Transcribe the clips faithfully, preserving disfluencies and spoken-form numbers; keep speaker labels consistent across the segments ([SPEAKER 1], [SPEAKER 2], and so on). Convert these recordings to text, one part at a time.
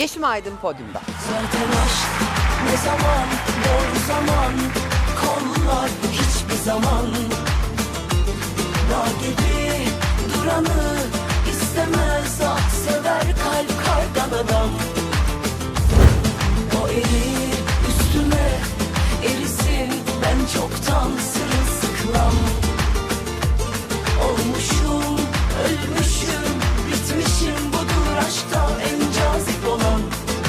[SPEAKER 1] Yeşim Aydın podyumda.
[SPEAKER 2] Zaten aşk ne zaman, doğru zaman, kollar hiçbir zaman. Dağ gibi duranı istemez, ah sever kalp kardan adam. O erir üstüme erisin, ben çoktan sırılsıklam. Olmuşum, ölmüşüm, bitmişim, budur aşkta en cazip olan.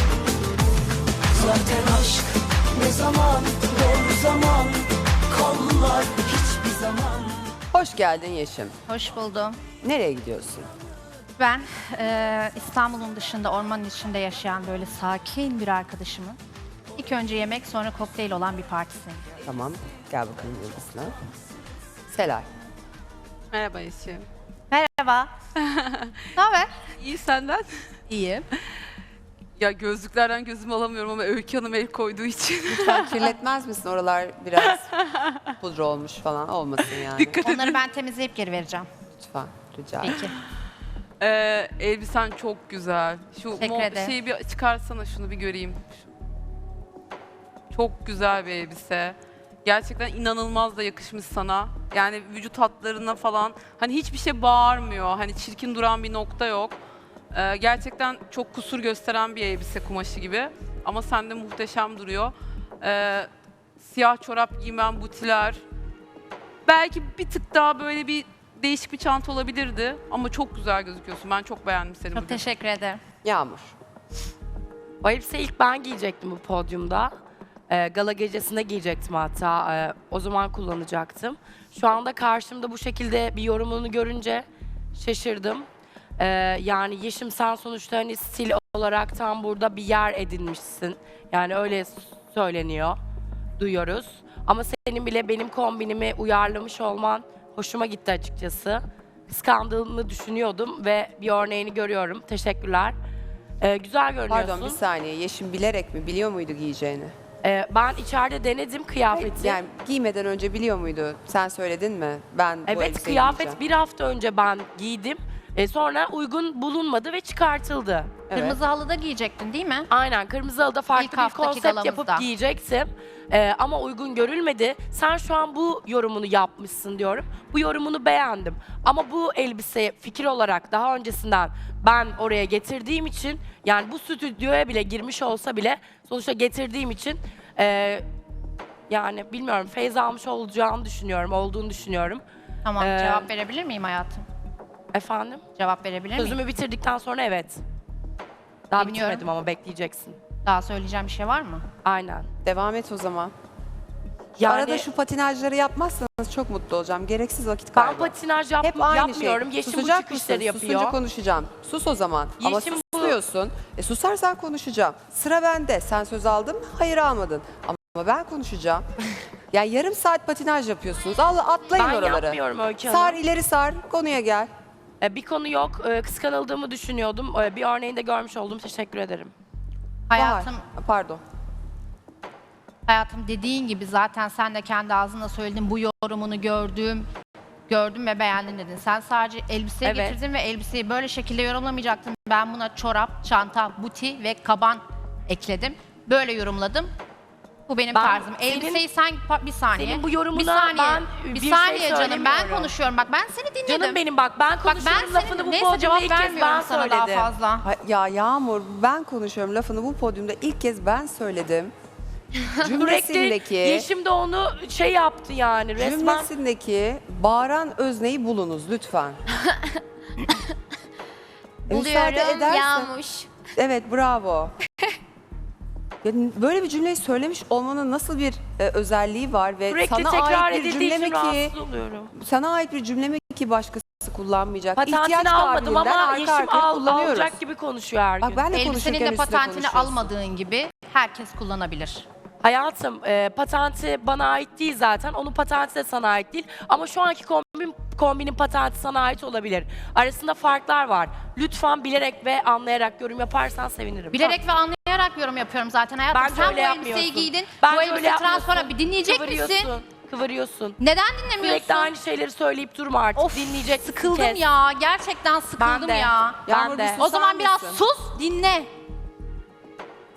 [SPEAKER 2] Zaten aşk ne zaman, doğru zaman, kollar hiçbir zaman.
[SPEAKER 1] Hoş geldin Yeşim.
[SPEAKER 3] Hoş buldum.
[SPEAKER 1] Nereye gidiyorsun?
[SPEAKER 3] Ben eee, İstanbul'un dışında, ormanın içinde yaşayan böyle sakin bir arkadaşımın ilk önce yemek sonra kokteyl olan bir partisine gidiyorum.
[SPEAKER 1] Tamam, gel bakalım yıldızına. Selay.
[SPEAKER 4] Merhaba Yeşim.
[SPEAKER 3] Merhaba. Ne haber?
[SPEAKER 4] İyi senden?
[SPEAKER 3] İyiyim.
[SPEAKER 4] Ya gözlüklerden gözümü alamıyorum ama Öykü Hanım el koyduğu için.
[SPEAKER 1] Lütfen kirletmez misin? Oralar biraz pudra olmuş falan olmasın yani.
[SPEAKER 4] Dikkat edin.
[SPEAKER 3] Onları ben temizleyip geri vereceğim.
[SPEAKER 1] Lütfen, rica ederim.
[SPEAKER 3] Peki.
[SPEAKER 4] Ee, elbisen çok güzel. Şu
[SPEAKER 3] Teşekkür
[SPEAKER 4] mo-
[SPEAKER 3] ederim.
[SPEAKER 4] şeyi bir çıkarsana, şunu bir göreyim. Çok güzel bir elbise. Gerçekten inanılmaz da yakışmış sana. Yani vücut hatlarına falan hani hiçbir şey bağırmıyor. Hani çirkin duran bir nokta yok. Ee, gerçekten çok kusur gösteren bir elbise kumaşı gibi. Ama sende muhteşem duruyor. Ee, siyah çorap giymen, butiler. Belki bir tık daha böyle bir değişik bir çanta olabilirdi. Ama çok güzel gözüküyorsun. Ben çok beğendim seni
[SPEAKER 3] Çok
[SPEAKER 4] bugün.
[SPEAKER 3] teşekkür ederim.
[SPEAKER 1] Yağmur.
[SPEAKER 5] O elbiseyi ilk ben giyecektim bu podyumda. Ee, gala gecesinde giyecektim hatta. Ee, o zaman kullanacaktım. Şu anda karşımda bu şekilde bir yorumunu görünce şaşırdım. Ee, yani Yeşim, sen sonuçta hani stil olarak tam burada bir yer edinmişsin. Yani öyle söyleniyor, duyuyoruz. Ama senin bile benim kombinimi uyarlamış olman hoşuma gitti açıkçası. Kıskandığımı düşünüyordum ve bir örneğini görüyorum. Teşekkürler. Ee, güzel görünüyorsun.
[SPEAKER 1] Pardon bir saniye. Yeşim bilerek mi? Biliyor muydu giyeceğini?
[SPEAKER 5] Ee, ben içeride denedim kıyafeti.
[SPEAKER 1] Yani giymeden önce biliyor muydu? Sen söyledin mi? Ben bu
[SPEAKER 5] evet,
[SPEAKER 1] elbiseyi
[SPEAKER 5] kıyafet
[SPEAKER 1] giyeceğim.
[SPEAKER 5] bir hafta önce ben giydim. Ee, sonra uygun bulunmadı ve çıkartıldı.
[SPEAKER 1] Evet.
[SPEAKER 3] Kırmızı halıda giyecektin değil mi?
[SPEAKER 5] Aynen, kırmızı halıda farklı
[SPEAKER 3] İlk
[SPEAKER 5] bir
[SPEAKER 3] haftaki
[SPEAKER 5] konsept
[SPEAKER 3] galamızda.
[SPEAKER 5] yapıp giyecektim. Ee, ama uygun görülmedi. Sen şu an bu yorumunu yapmışsın diyorum. Bu yorumunu beğendim. Ama bu elbise fikir olarak daha öncesinden ben oraya getirdiğim için, yani bu stüdyoya bile girmiş olsa bile sonuçta getirdiğim için e, yani bilmiyorum, feyz almış olacağını düşünüyorum, olduğunu düşünüyorum.
[SPEAKER 3] Tamam,
[SPEAKER 5] Ee,
[SPEAKER 3] cevap verebilir miyim hayatım?
[SPEAKER 5] Efendim?
[SPEAKER 3] Cevap verebilir miyim?
[SPEAKER 5] Sözümü bitirdikten sonra evet. Daha
[SPEAKER 3] Dinliyorum.
[SPEAKER 5] bitirmedim ama bekleyeceksin.
[SPEAKER 3] Daha söyleyeceğim bir şey var mı?
[SPEAKER 5] Aynen.
[SPEAKER 1] Devam et o zaman.
[SPEAKER 5] Yani
[SPEAKER 1] Arada şu patinajları yapmazsanız çok mutlu olacağım. Gereksiz vakit
[SPEAKER 5] ben
[SPEAKER 1] kaybı.
[SPEAKER 5] patinaj yap,
[SPEAKER 1] Hep aynı
[SPEAKER 5] yapmıyorum.
[SPEAKER 1] şey.
[SPEAKER 5] Yeşim bu
[SPEAKER 1] Susacak
[SPEAKER 5] çıkışları
[SPEAKER 1] mısın?
[SPEAKER 5] yapıyor.
[SPEAKER 1] Susunca konuşacağım. Sus o zaman. Ama
[SPEAKER 5] Yeşim bu-
[SPEAKER 1] susuyorsun. E susarsan konuşacağım. Sıra bende. Sen söz aldın mı? Hayır almadın. Ama ben konuşacağım. Yani yarım saat patinaj yapıyorsunuz. Allah atlayın
[SPEAKER 5] Ben
[SPEAKER 1] oraları.
[SPEAKER 5] yapmıyorum Öykü Hanım.
[SPEAKER 1] Sar ileri sar. Konuya gel.
[SPEAKER 5] Ee, bir konu yok. Ee, kıskanıldığımı düşünüyordum. Ee, bir örneğini de görmüş oldum. Teşekkür ederim.
[SPEAKER 3] Hayatım,
[SPEAKER 1] Bahar. Pardon.
[SPEAKER 3] hayatım dediğin gibi zaten sen de kendi ağzınla söyledin, bu yorumunu gördüm, gördüm ve beğendim dedin. Sen sadece elbiseyi
[SPEAKER 5] Evet.
[SPEAKER 3] getirdin ve elbiseyi böyle şekilde yorumlamayacaktın. Ben buna çorap, çanta, buti ve kaban ekledim. Böyle yorumladım. Bu benim
[SPEAKER 5] Ben
[SPEAKER 3] tarzım.
[SPEAKER 5] senin-
[SPEAKER 3] Elbiseyi sen pa- bir saniye.
[SPEAKER 5] senin bu yorumuna
[SPEAKER 3] bir saniye,
[SPEAKER 5] ben
[SPEAKER 3] bir,
[SPEAKER 5] bir şey
[SPEAKER 3] saniye canım. Ben
[SPEAKER 5] söylemiyorum.
[SPEAKER 3] konuşuyorum. Bak ben seni dinledim.
[SPEAKER 5] Canım benim, bak ben
[SPEAKER 3] Bak ben
[SPEAKER 5] konuşuyorum, lafını
[SPEAKER 3] senin
[SPEAKER 5] bu
[SPEAKER 3] neyse
[SPEAKER 5] podyumda
[SPEAKER 3] cevap
[SPEAKER 5] ilk kez
[SPEAKER 3] vermiyorum
[SPEAKER 5] ben
[SPEAKER 3] sana daha
[SPEAKER 5] söyledim.
[SPEAKER 3] fazla.
[SPEAKER 1] Ha- Ya Yağmur ben konuşuyorum lafını bu podyumda ilk kez ben söyledim.
[SPEAKER 5] Sürekli
[SPEAKER 1] Cümlesindeki,
[SPEAKER 5] Yeşim de onu şey yaptı yani resmen.
[SPEAKER 1] cümlesindeki bağıran özneyi bulunuz lütfen. E, müsaade
[SPEAKER 6] Buluyorum
[SPEAKER 1] edersen-
[SPEAKER 6] Yağmuş.
[SPEAKER 1] Evet bravo. Ya, böyle bir cümleyi söylemiş olmanın nasıl bir e, özelliği var ve
[SPEAKER 5] Sürekli
[SPEAKER 1] sana
[SPEAKER 5] tekrar
[SPEAKER 1] ait bir
[SPEAKER 5] edildiği
[SPEAKER 1] cümle mi
[SPEAKER 5] için
[SPEAKER 1] ki
[SPEAKER 5] rahatsız oluyorum.
[SPEAKER 1] sana ait bir cümle mi ki başkası kullanmayacak? İhtiyaç
[SPEAKER 5] Patentini almadım
[SPEAKER 1] kabiliğinden
[SPEAKER 5] ama
[SPEAKER 1] arka
[SPEAKER 5] Yeşim
[SPEAKER 1] arkaya
[SPEAKER 5] al,
[SPEAKER 1] kullanıyoruz.
[SPEAKER 5] alacak gibi konuşuyor her gün.
[SPEAKER 1] Bak ben de
[SPEAKER 3] Elbisenin
[SPEAKER 1] konuşurken
[SPEAKER 3] de
[SPEAKER 1] üstüne
[SPEAKER 3] patentini
[SPEAKER 1] konuşuyorsun.
[SPEAKER 3] almadığın gibi herkes kullanabilir.
[SPEAKER 5] Hayatım, e, patenti bana ait değil zaten. Onun patenti de sana ait değil. Ama şu anki kombin, kombinin patenti sana ait olabilir. Arasında farklar var. Lütfen bilerek ve anlayarak yorum yaparsan sevinirim.
[SPEAKER 3] Bilerek ve anlayarak yorum yapıyorum zaten hayatım.
[SPEAKER 5] Bence
[SPEAKER 3] Sen
[SPEAKER 5] öyle
[SPEAKER 3] bu elbiseyi
[SPEAKER 5] yapmıyorsun.
[SPEAKER 3] giydin.
[SPEAKER 5] Bence
[SPEAKER 3] bu
[SPEAKER 5] öyle
[SPEAKER 3] elbise
[SPEAKER 5] yapmıyorsun.
[SPEAKER 3] transparan. Bir dinleyecek
[SPEAKER 5] Kıvırıyorsun,
[SPEAKER 3] misin?
[SPEAKER 5] Kıvırıyorsun.
[SPEAKER 3] Neden dinlemiyorsun?
[SPEAKER 5] Sürekli aynı şeyleri söyleyip durma artık.
[SPEAKER 3] Of,
[SPEAKER 5] Dinleyeceksin.
[SPEAKER 3] sıkıldım
[SPEAKER 5] kes.
[SPEAKER 3] ya. Gerçekten sıkıldım
[SPEAKER 5] Ben de.
[SPEAKER 3] ya.
[SPEAKER 5] Ben
[SPEAKER 1] Yağmur,
[SPEAKER 5] de.
[SPEAKER 1] bir
[SPEAKER 3] O
[SPEAKER 1] susar
[SPEAKER 3] zaman biraz
[SPEAKER 1] mısın?
[SPEAKER 3] sus, dinle.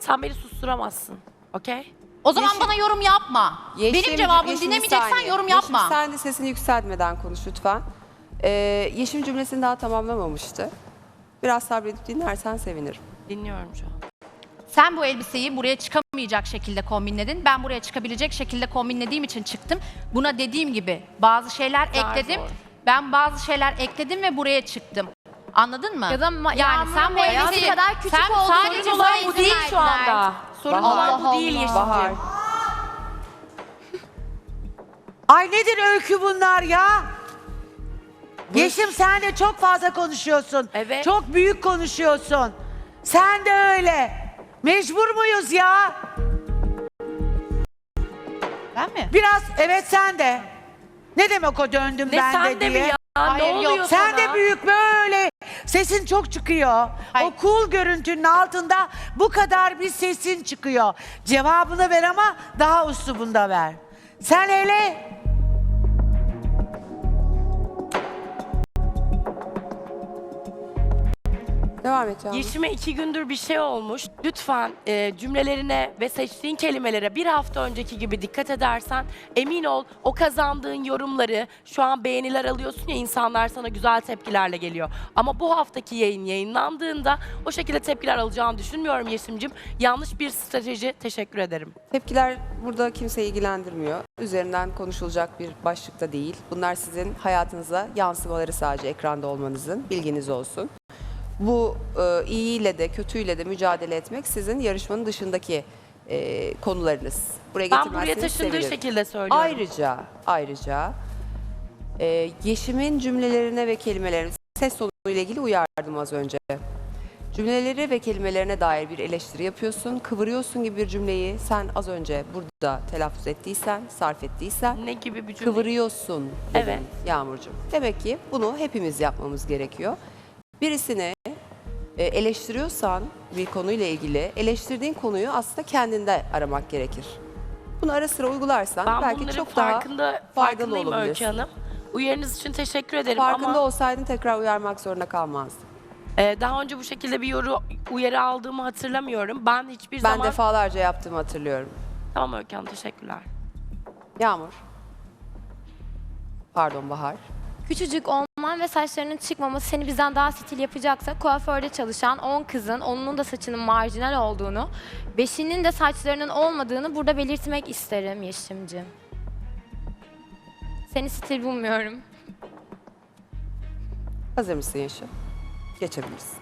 [SPEAKER 5] Sen beni susturamazsın. Okey?
[SPEAKER 3] O zaman
[SPEAKER 1] Yeşim-
[SPEAKER 3] bana yorum yapma. Benim
[SPEAKER 1] Yeşim-
[SPEAKER 3] cevabımı
[SPEAKER 1] Yeşim, bir
[SPEAKER 3] dinlemeyeceksen
[SPEAKER 1] saniye.
[SPEAKER 3] yorum
[SPEAKER 1] Yeşim,
[SPEAKER 3] yapma.
[SPEAKER 1] sen de sesini yükseltmeden konuş lütfen. Ee, Yeşim cümlesini daha tamamlamamıştı. Biraz sabredip dinlersen sevinirim.
[SPEAKER 5] Dinliyorum şu an.
[SPEAKER 3] Sen bu elbiseyi buraya çıkamayacak şekilde kombinledin. Ben buraya çıkabilecek şekilde kombinlediğim için çıktım. Buna dediğim gibi bazı şeyler
[SPEAKER 5] Zar
[SPEAKER 3] ekledim.
[SPEAKER 5] zor.
[SPEAKER 3] Ben bazı şeyler ekledim ve buraya çıktım. Anladın mı?
[SPEAKER 6] Ya da ma-
[SPEAKER 3] yani sen bu
[SPEAKER 6] Yağmur'un
[SPEAKER 3] elbiseyi
[SPEAKER 6] kadar küçük
[SPEAKER 3] sen
[SPEAKER 6] olduğunu
[SPEAKER 3] sadece
[SPEAKER 6] sorun
[SPEAKER 3] bana
[SPEAKER 6] olan
[SPEAKER 3] izin
[SPEAKER 5] Bu değil şu
[SPEAKER 6] verdiler.
[SPEAKER 5] anda. Sorun
[SPEAKER 1] Bahar.
[SPEAKER 5] olan bu değil Yeşim'ciğim.
[SPEAKER 1] Bahar.
[SPEAKER 7] Ay nedir öykü bunlar ya? Yeşim sen de çok fazla konuşuyorsun.
[SPEAKER 5] Evet.
[SPEAKER 7] Çok büyük konuşuyorsun. Sen de öyle. Mecbur muyuz ya?
[SPEAKER 3] Ben mi?
[SPEAKER 7] Biraz evet sen de. Ne demek o döndüm
[SPEAKER 5] Ne
[SPEAKER 7] ben
[SPEAKER 5] sen
[SPEAKER 7] de
[SPEAKER 5] de mi
[SPEAKER 7] diye.
[SPEAKER 5] ya?
[SPEAKER 3] Hayır,
[SPEAKER 5] ne
[SPEAKER 3] yok.
[SPEAKER 5] oluyor
[SPEAKER 7] Sen
[SPEAKER 5] sana?
[SPEAKER 7] de büyük böyle. Sesin çok çıkıyor.
[SPEAKER 3] Hayır.
[SPEAKER 7] O cool görüntünün altında bu kadar bir sesin çıkıyor. Cevabını ver ama daha üslubunda ver. Sen hele
[SPEAKER 1] Devam et Yağmur.
[SPEAKER 5] Yeşim'e iki gündür bir şey olmuş. Lütfen e, cümlelerine ve seçtiğin kelimelere bir hafta önceki gibi dikkat edersen emin ol o kazandığın yorumları şu an beğeniler alıyorsun ya insanlar sana güzel tepkilerle geliyor. Ama bu haftaki yayın yayınlandığında o şekilde tepkiler alacağını düşünmüyorum Yeşim'cim. Yanlış bir strateji. Teşekkür ederim.
[SPEAKER 1] Tepkiler burada kimseyi ilgilendirmiyor. Üzerinden konuşulacak bir başlıkta değil. Bunlar sizin hayatınıza yansımaları sadece ekranda olmanızın, bilginiz olsun. Bu e, iyiyle de kötüyle de mücadele etmek sizin yarışmanın dışındaki e, konularınız. Buraya
[SPEAKER 5] Ben buraya
[SPEAKER 1] getirmezseniz
[SPEAKER 5] taşındığı
[SPEAKER 1] sevinirim.
[SPEAKER 5] şekilde söylüyorum.
[SPEAKER 1] Ayrıca, ayrıca e, Yeşim'in cümlelerine ve kelimelerine ses tonuyla ilgili uyardım az önce. Cümleleri ve kelimelerine dair bir eleştiri yapıyorsun, kıvırıyorsun gibi bir cümleyi sen az önce burada telaffuz ettiysen, sarf ettiysen
[SPEAKER 5] Ne gibi bir cümle?
[SPEAKER 1] kıvırıyorsun dedim
[SPEAKER 5] Evet.
[SPEAKER 1] Yağmurcuğum. Demek ki bunu hepimiz yapmamız gerekiyor. Birisini e, eleştiriyorsan bir konuyla ilgili eleştirdiğin konuyu aslında kendinde aramak gerekir. Bunu ara sıra uygularsan
[SPEAKER 5] Ben
[SPEAKER 1] belki
[SPEAKER 5] bunların
[SPEAKER 1] çok daha
[SPEAKER 5] farkında,
[SPEAKER 1] faydalı
[SPEAKER 5] farkındayım Öykü
[SPEAKER 1] olabilirsin.
[SPEAKER 5] Hanım. Uyarınız için teşekkür ederim
[SPEAKER 1] Farkında
[SPEAKER 5] ama
[SPEAKER 1] olsaydın tekrar uyarmak zorunda kalmazdın.
[SPEAKER 5] e, daha önce bu şekilde bir yoru, uyarı aldığımı hatırlamıyorum. Ben hiçbir
[SPEAKER 1] Ben
[SPEAKER 5] zaman...
[SPEAKER 1] defalarca yaptığımı hatırlıyorum.
[SPEAKER 5] Tamam Öykü Hanım, teşekkürler.
[SPEAKER 1] Yağmur. Pardon Bahar.
[SPEAKER 6] Küçücük olman ve saçlarının çıkmaması seni bizden daha stil yapacaksa kuaförde çalışan on kızın, onun da saçının marjinal olduğunu, beşinin de saçlarının olmadığını burada belirtmek isterim Yeşim'ciğim. Seni stil bulmuyorum.
[SPEAKER 1] Hazır mısın Yeşim? Geçebilirsin.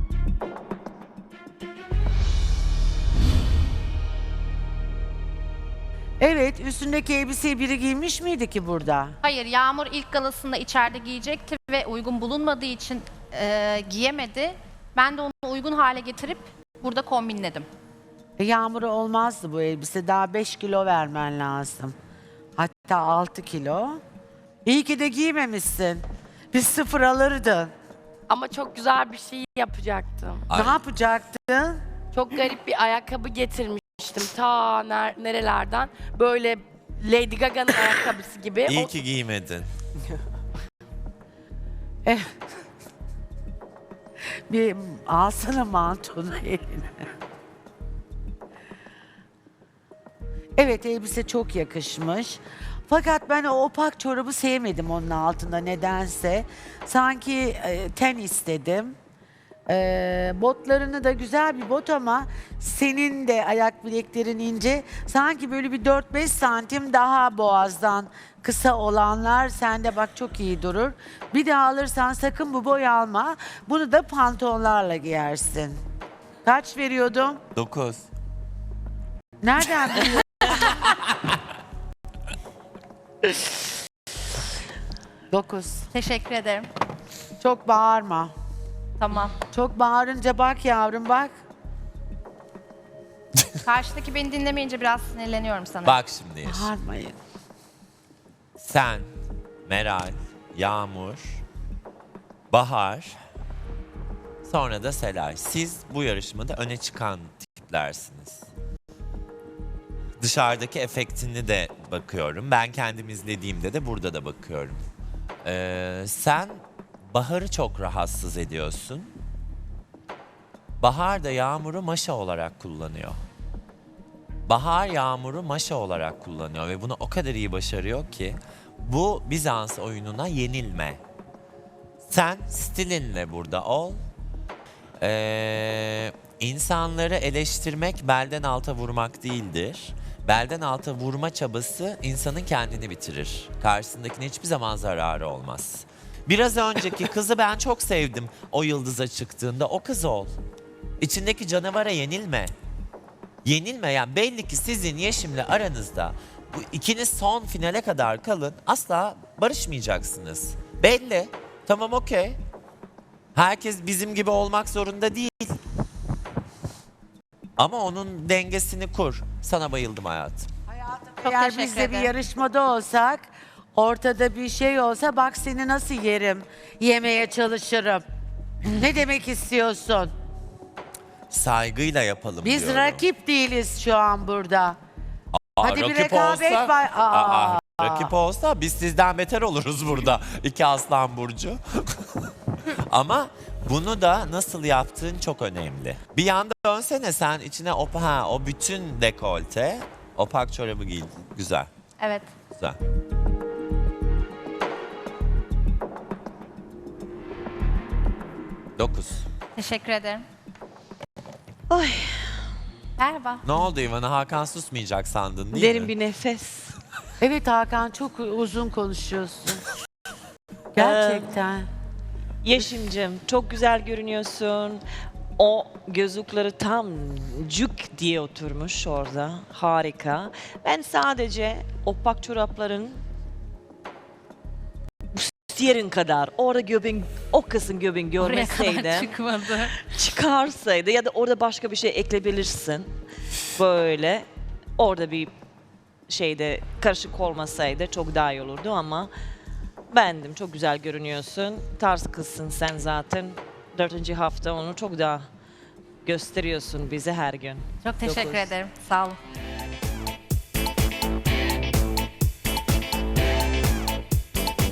[SPEAKER 7] evet üstündeki elbiseyi biri giymiş miydi ki burada?
[SPEAKER 3] Hayır, Yağmur ilk galasında içeride giyecekti ve uygun bulunmadığı için e, giyemedi. Ben de onu uygun hale getirip burada kombinledim.
[SPEAKER 7] E, Yağmur'a olmazdı bu elbise. Daha beş kilo vermen lazım. Hatta altı kilo. İyi ki de giymemişsin. Biz sıfır alırdın.
[SPEAKER 5] Ama çok güzel bir şey yapacaktım.
[SPEAKER 7] Ne yapacaktın?
[SPEAKER 5] Çok garip bir ayakkabı getirmiştim ta ner- nerelerden. Böyle Lady Gaga'nın ayakkabısı gibi.
[SPEAKER 8] İyi
[SPEAKER 5] O-
[SPEAKER 8] ki giymedin.
[SPEAKER 7] Bir alsana mantonu eline. Evet elbise çok yakışmış. Fakat ben o opak çorabı sevmedim onun altında nedense. Sanki e, ten istedim. E, botlarını da güzel bir bot ama senin de ayak bileklerin ince. Sanki böyle bir dört beş santim daha boğazdan kısa olanlar sende bak çok iyi durur. Bir daha alırsan sakın bu boy alma. Bunu da pantolonlarla giyersin. Kaç veriyordum?
[SPEAKER 8] Dokuz.
[SPEAKER 7] Nereden biliyorsun? Dokuz.
[SPEAKER 3] Teşekkür ederim.
[SPEAKER 7] Çok bağırma.
[SPEAKER 3] Tamam.
[SPEAKER 7] Çok bağırınca bak yavrum bak.
[SPEAKER 3] Karşıdaki beni dinlemeyince biraz sinirleniyorum sana.
[SPEAKER 8] Bak şimdi Yeşim.
[SPEAKER 7] Bağırmayın.
[SPEAKER 8] Sen, Meral, Yağmur, Bahar, sonra da Selay. Siz bu yarışmada öne çıkan tiplersiniz. Dışarıdaki efektini de bakıyorum. Ben kendim izlediğimde de burada da bakıyorum. Ee, sen Bahar'ı çok rahatsız ediyorsun. Bahar da Yağmur'u maşa olarak kullanıyor. Bahar Yağmur'u maşa olarak kullanıyor ve bunu o kadar iyi başarıyor ki bu Bizans oyununa yenilme. Sen stilinle burada ol. Ee, insanları eleştirmek belden alta vurmak değildir. Belden alta vurma çabası insanın kendini bitirir. Karşısındakine hiçbir zaman zararı olmaz. Biraz önceki kızı ben çok sevdim o yıldıza çıktığında. O kız ol. İçindeki canavara yenilme. Yenilme yani belli ki sizin Yeşim'le aranızda bu ikiniz son finale kadar kalın asla barışmayacaksınız. Belli. Tamam okey. Herkes bizim gibi olmak zorunda değil. Ama onun dengesini kur. Sana bayıldım hayatım.
[SPEAKER 3] Çok
[SPEAKER 7] Eğer
[SPEAKER 3] teşekkür
[SPEAKER 7] biz de bir
[SPEAKER 3] ederim.
[SPEAKER 7] yarışmada olsak, ortada bir şey olsa bak seni nasıl yerim, yemeye çalışırım. Ne demek istiyorsun?
[SPEAKER 8] Saygıyla yapalım
[SPEAKER 7] Biz
[SPEAKER 8] diyorum.
[SPEAKER 7] rakip değiliz şu an burada.
[SPEAKER 8] Aa,
[SPEAKER 7] Hadi bir
[SPEAKER 8] rakip
[SPEAKER 7] rekabet
[SPEAKER 8] olsa-
[SPEAKER 7] var. Aa.
[SPEAKER 8] Aa, rakip olsa biz sizden beter oluruz burada. İki aslan burcu. Ama bunu da nasıl yaptığın çok önemli. Bir yanda dönsene sen içine o, ha, o bütün dekolte, opak çorabı giydin. Güzel,
[SPEAKER 3] Evet.
[SPEAKER 8] güzel. Dokuz.
[SPEAKER 3] Teşekkür ederim.
[SPEAKER 9] Ay,
[SPEAKER 3] Merhaba.
[SPEAKER 8] Ne oldu İvana? Hakan susmayacak sandın değil
[SPEAKER 9] derin
[SPEAKER 8] mi?
[SPEAKER 9] bir nefes.
[SPEAKER 7] Evet Hakan çok uzun konuşuyorsun. Gerçekten.
[SPEAKER 9] Yeşim'cim çok güzel görünüyorsun. O gözlükleri tam cuk diye oturmuş orada. Harika. Ben sadece opak çorapların yerin kadar orada göbeğin, o kısım göbeğin
[SPEAKER 3] Oraya kadar
[SPEAKER 9] görmeseydim,
[SPEAKER 3] çıkmadı.
[SPEAKER 9] çıkarsaydı ya da orada başka bir şey ekleyebilirsin. Böyle orada bir şeyde karışık olmasaydı çok daha iyi olurdu ama beğendim. Çok güzel görünüyorsun. Tarz kızsın sen zaten. Dördüncü hafta onu çok daha gösteriyorsun bize her gün.
[SPEAKER 3] Çok teşekkür
[SPEAKER 9] Dokuz.
[SPEAKER 3] ederim. Sağ olun.